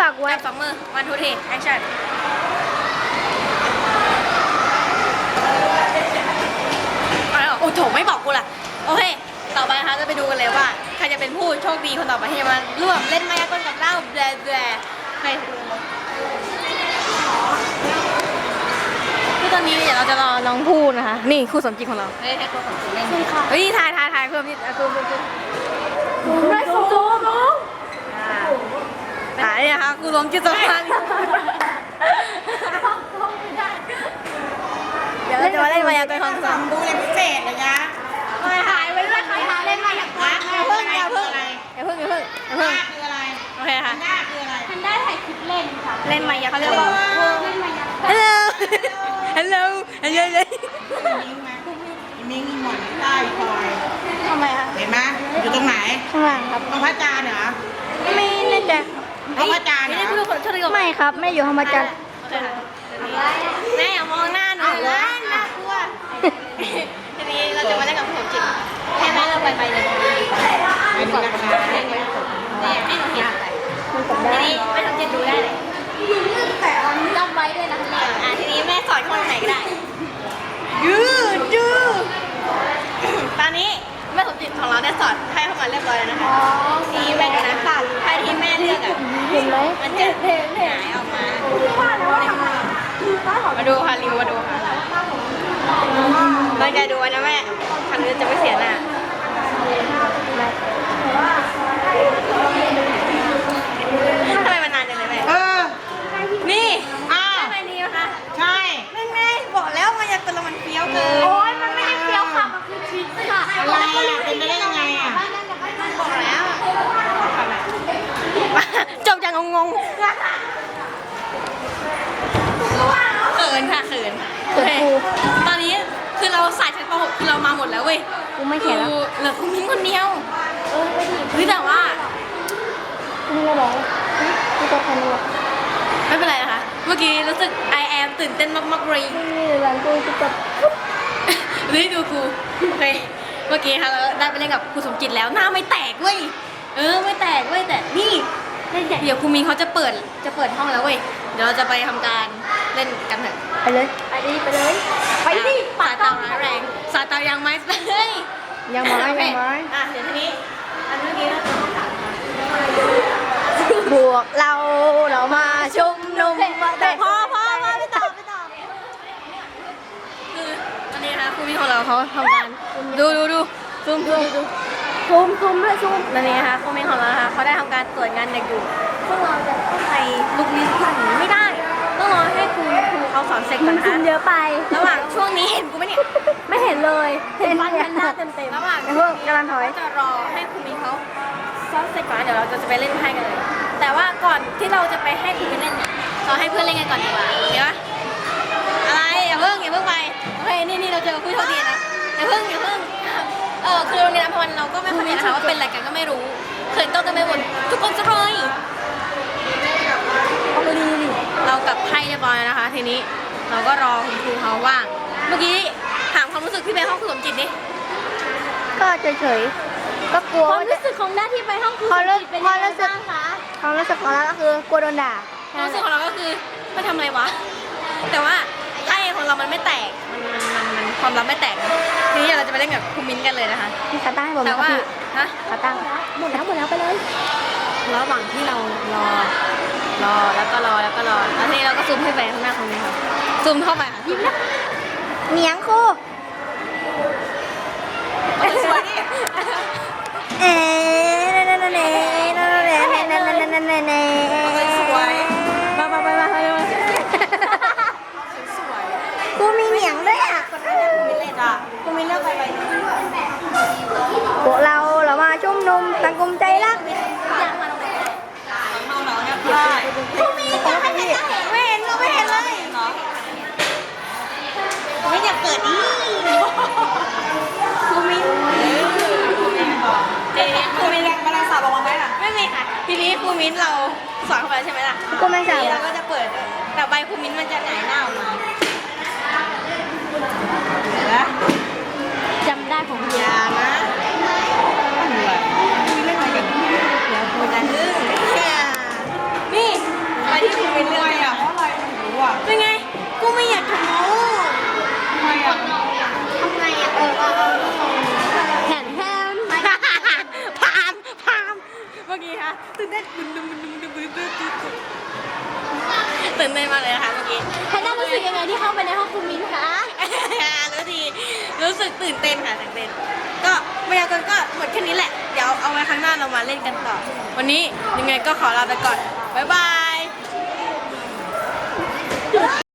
ากไว้จับสองมือวันทูทีแอคชั่นโอ้โถไม่บอกกูล่ะโอเคต่อไปนะคะจะไปดูกันเลยว่าใครจะเป็นผู้โชคดีคนต่อไปที่จะมาร่วมเล่นมายากลกับเราแบร์ใครคือตอนนี้เดี๋ยวเราจะรอน้องพูดนะคะนี่ครูสมจิตของเราให้ครูสมจิตเล่นเฮ้ยถ่ายเพิ่มนิดเพิ่มได้สูงถ่ายนะคะครูสมจิตสำคัญเดี๋ยวเราจะมาเล่นมายากลของสามดูเล่นพิเศษเลยนะถ่ายไว้ด้วยใครเล่นมายากลอย่าเพิ่งคืออะไรโอเคค่ะทันได้ถ่ายคลิปเล่นค่ะเล่นมายากลเขาเรียกว่าเล่นมายากล Hello เลยมิ้งมีหมอนใต้คอยทำไมคะเห็นไหมอยู่ตรงไหนข้างหลังครับตรงพระจานทร์เหรอไม่แน่ใจตรงพระจานทร์เหรไม่ได้พูดอคนชอบดีกว่าไม่ครับไม่อยู่ธรรมจักรแม่อย่ามองหน้าหนูน่ากลัวทีนี้เราจะมาเล่นกับผมจิตให้แม่เราไปเลยไม่ดูนะคะนี่ให้หนูเห็นทีนี้แม่ทำจิตดูได้เลยจำไว้ด้วยนะแม่ทีนี้แม่สอนคนไหนก็ได้ยืดตอนนี้แม่สมจิตของเราได้สอนให้เข้ามาเรียบร้อยแล้วนะคะทีนี้แม่ดูนะไพ่ที่แม่เลือกอ่ะเห็นไหมมันจะหายออกมามาดูค่ะริวมาดูค่ะตั้งใจดูไว้นะแม่คันนี้จะไม่เสียหน้าทำไมมันนานจังเลยแม่ นี่อ้าวทำไมนี้นะคะใช่แม่บอกแล้วมันยังเป็นละมันเฟี้ยวเกินโอ้ยมันไม่ได้เฟี้ยวค่ะมันคือชีสค่ะอะไรอ่ะเป็นไปได้ยังไงอ่ะบอกแล้วจบอย่างงงเขินค่ะเขินตอนนี้คือเราสายชั้นป .6 คือเรามาหมดแล้วเว้ยกูไม่เขียนแล้วเหลือคุณมิ้นคนเดียวเฮ้ยแต่ว่ากูไม่ร้องกูจะทำอะไรไม่เป็นไรนะคะ เมื่อกี้รู้สึก I am ตื่นเต้นมากๆเลยนี่ร้านกูจะจับนี่ดูครูโอเคเมื่อกี้ค่ะเราได้ไปเล่นกับครูสมจิตแล้วหน้าไม่แตกเว้ยไม่แตกเว้ยแต่นี่เดี๋ยวครูมิงเขาจะเปิดห้องแล้วเว้ยเดี๋ยวเราจะไปทำการเล่นกันเถอะไปเลยไปดิไปเลยไปดิสายตาร้ายแรงสายตายังไม่เฮ้ยยังไม้โอเคยังไม้เดี๋ยวทีนี้อันเมื่อกี้เราต้องถามบวกเรามาชุมนุมแต่พอไม่ตอบคือตอนนี้นะคะครูมิงของเราเขาทำการดูซูมซุ่มด้วยซุ่มตอนนี้นะคะครูมิงของเรานะคะเขาได้ทำการตรวจงานเด็กอยู่พวกเราจะเข้าไปลุกลี้ลุกลนไม่ได้ต้องรอให้ครูเขาสอนเสร็จก่อนนะซุ่คะมเยอะไประหว่างช่วงนี้เห็นกูไหมเนี่ยไม่เห็นเลยเห็นฟันกันหน้าเต็มๆระหว่างไอ้พวกกำลังถอยจะรอให้ครูมินเขาซ้อมเสร็จก่อนเดี๋ยวเราจะไปเล่นไพ่กันเลย แต่ว่าก่อนที่เราจะไปให้ครูมินเล่นเนี่ยเราให้เพื่อนเล่นกันก่อนดีกว่าโอเคปะอะไรอย่าเพิ่งไปโอเคนี่เราเจอผู้โชคดีนะอย่าเพิ่งคือโรงเรียนอัมพวันเราก็ไม่เข้าใจนะคะว่าเป็นอะไรกันก็ไม่รู้เคยโต๊ะกันไม่หมดทุกคนจะรอยเรากลับไพ่เรียบร้อยแล้วนะคะ ทีนี้เราก็รอคุณครูเขาว่างเมื่อกี้ถามความรู้สึกที่ไปห้องครูสมจิตดิก็เฉยๆก็กลัวความรู้สึกของหน้าที่ไปห้องครูความรู้สึกของเราก็คือกลัวโดนด่าความรู้สึกของเราก็คือไม่ทำอะไรวะ แต่ว่าไพ่ของเรามันไม่แตกมันความลับไม่แตกนะทีนี้เราจะไปเล่นกับครูมิ้นกันเลยนะคะพี่ขาตั้งให้ผมแต่ว่าฮะขาตั้งหมดแล้วไปเลยระหว่างที่เรารอแล้วก็รอแล้วทีนี้เราก็ซูมให้ไปข้างหน้าครูมิ้นค่ะซูมเข้าไปค่ะเหนียงครูสวยดิเอ๊ะเน่สวยมาครูมีเหนียงด้วยอ่ะคนนั้นครูมิ้นเล่นอ่ะครูมิ้นเลือกไปพวกเรามาชุมนุมสังคมใจรักอยากมาตรงไหนน้องเนี่ยครูมีจะให้พี่ไม่เห็นเลยไม่อยากเปิดดิครูมิ้นครูมิ้นมาลาสาวบอกไหมล่ะไม่มีค่ะทีนี้ครูมิ้นเราสอนเข้าไปใช่ไหมล่ะกูไม่ใช่เราก็จะเปิดแต่ใบครูมิ้นมันจะหงายหน้าออกมาจำได้ของยานะคุยเรื่องอะไรกันเดี๋ยวคุยกันนี่ตื่นเต้นมากเลยนะคะเมื่อกี้แพนด้ารู้สึกยังไงที่เข้าไปในห้องคุณมิ้นคะรู้ดีรู้สึกตื่นเต้นค่ะตื่นเต้นก็มายากลก็หมดแค่นี้แหละเดี๋ยวเอาไว้ครั้งหน้าเรามาเล่นกันต่อวันนี้ยังไงก็ขอลาไปก่อนบ๊ายบาย